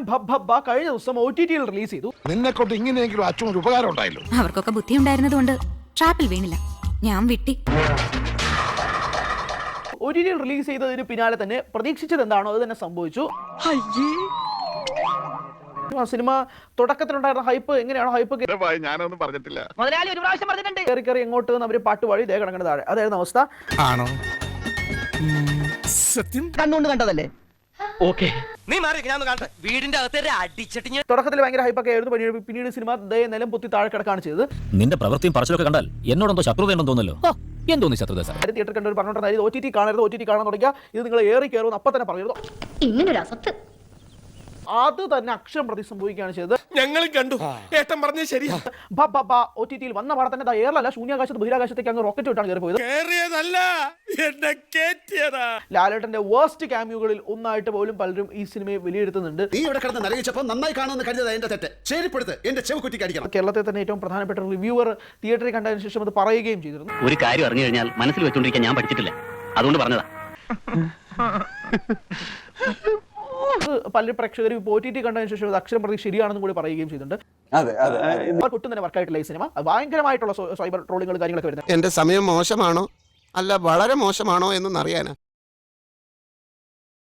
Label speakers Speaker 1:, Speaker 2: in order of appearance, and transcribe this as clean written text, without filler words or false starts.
Speaker 1: ഭബ്ബ കഴിഞ്ഞ ദിവസം OTT-യിൽ റിലീസ് ചെയ്തു.
Speaker 2: നിന്നെ കൊണ്ട് ഇങ്ങനെയെങ്കിലും അച്ഛനൊരു ഉപകാരം ഉണ്ടായല്ലോ.
Speaker 3: അവർക്കൊക്കെ ബുദ്ധി ഉണ്ടായിരുന്നതുകൊണ്ട് ട്രാപ്പിൽ വീണില്ല, ഞാൻ വിട്ടി.
Speaker 1: OTT-യിൽ റിലീസ് ചെയ്തതിന് പിന്നാലെ തന്നെ പ്രതീക്ഷിച്ചത് എന്താണോ അത് തന്നെ സംഭവിച്ചു. സിനിമ തുടക്കത്തിലുണ്ടായിരുന്ന ഹൈപ്പ് എങ്ങനെയാണോ ഹൈപ്പ്
Speaker 2: ഞാനൊന്നും പറഞ്ഞിട്ടില്ല.
Speaker 1: കയറി എങ്ങോട്ട് അവർ പാട്ട് പാടി ദേ കിടക്കുന്ന താഴെ, അതായിരുന്നു അവസ്ഥ.
Speaker 2: ആണോ? സത്യം
Speaker 4: കണ്ണുകൊണ്ട് കണ്ടതല്ലേ?
Speaker 1: തുടക്കത്തിൽ ഭയങ്കര ഹൈപ്പൊക്കെ ആയിരുന്നു. പിന്നീട് സിനിമ നിലം പൊത്തി താഴെ കിടക്കാണ് ചെയ്തത്.
Speaker 5: നിന്റെ പ്രവൃത്തിയും പറച്ചിലൊക്കെ കണ്ടാൽ എന്നോടെന്തോ ശത്രുതയുണ്ടെന്ന് തോന്നല്ലോ. എന്തോന്നു ശത്രുത സാർ?
Speaker 1: തിയേറ്റർ കണ്ടവർ പറഞ്ഞിട്ടുണ്ടായിരുന്നു OTT കാണരുത്, OTT കാണാൻ തുടങ്ങിയ ഇത് നിങ്ങൾ ഏറി കയറുമെന്ന് അപ്പം തന്നെ പറഞ്ഞിരുന്നു.
Speaker 3: ഇങ്ങനൊരു അസത്ത്
Speaker 1: അത് തന്നെ അക്ഷരം പ്രതി സംഭവിക്കുകയാണ് ചെയ്തത്.
Speaker 2: ഞങ്ങളും കണ്ടു. ഏട്ടൻ പറഞ്ഞത് ശരിയാ.
Speaker 1: OTT-യിൽ വന്ന പാടെ തന്നെ എയറിലല്ല ശൂന്യാകാശത്ത് ബഹിരാകാശത്തേക്ക് അങ്ങ് റോക്കറ്റ് വിട്ടാണ് കയറി പോയത്. ലാലേട്ടന്റെ വേർസ്റ്റ് ക്യാമിയോകളിൽ ഒന്നായിട്ട് പോലും പലരും ഈ സിനിമയെ വിലയിരുത്തുന്നുണ്ട്.
Speaker 6: നീ ഇവിടെ കിടന്ന് നരകിച്ചപ്പോൾ നന്നായി കാണുമെന്ന് കരുതിയത് എന്റെ തെറ്റ്. ശരിപ്പെടുത്ത്, എന്റെ ചെവ് കുറ്റിക്ക് അടിക്കണം.
Speaker 1: കേരളത്തിൽ തന്നെ ഏറ്റവും പ്രധാനപ്പെട്ട റിവ്യൂവർ തിയേറ്ററിൽ കണ്ടതിന് ശേഷം അത് പറയുകയും ചെയ്തിരുന്നു.
Speaker 5: ഒരു കാര്യം അറിഞ്ഞു കഴിഞ്ഞാൽ മനസ്സിൽ വെച്ചോണ്ടിരിക്കാൻ ഞാൻ പഠിച്ചിട്ടില്ല, അതുകൊണ്ട് പറഞ്ഞതാ.
Speaker 1: പല പ്രേക്ഷകരും OTT കണ്ടതിന് ശേഷം അത് അക്ഷരം പ്രതി ശരിയാണെന്നും കൂടി പറയുകയും ചെയ്തിട്ടുണ്ട്. ഒട്ടും തന്നെ വർക്കായിട്ടില്ല ഈ സിനിമ. ഭയങ്കരമായിട്ടുള്ള സൈബർ ട്രോളിങ്ങൾ കാര്യങ്ങളൊക്കെ വരുന്നത്.
Speaker 7: എന്റെ സമയം മോശമാണോ അല്ല വളരെ മോശമാണോ എന്നൊന്നറിയാനാ.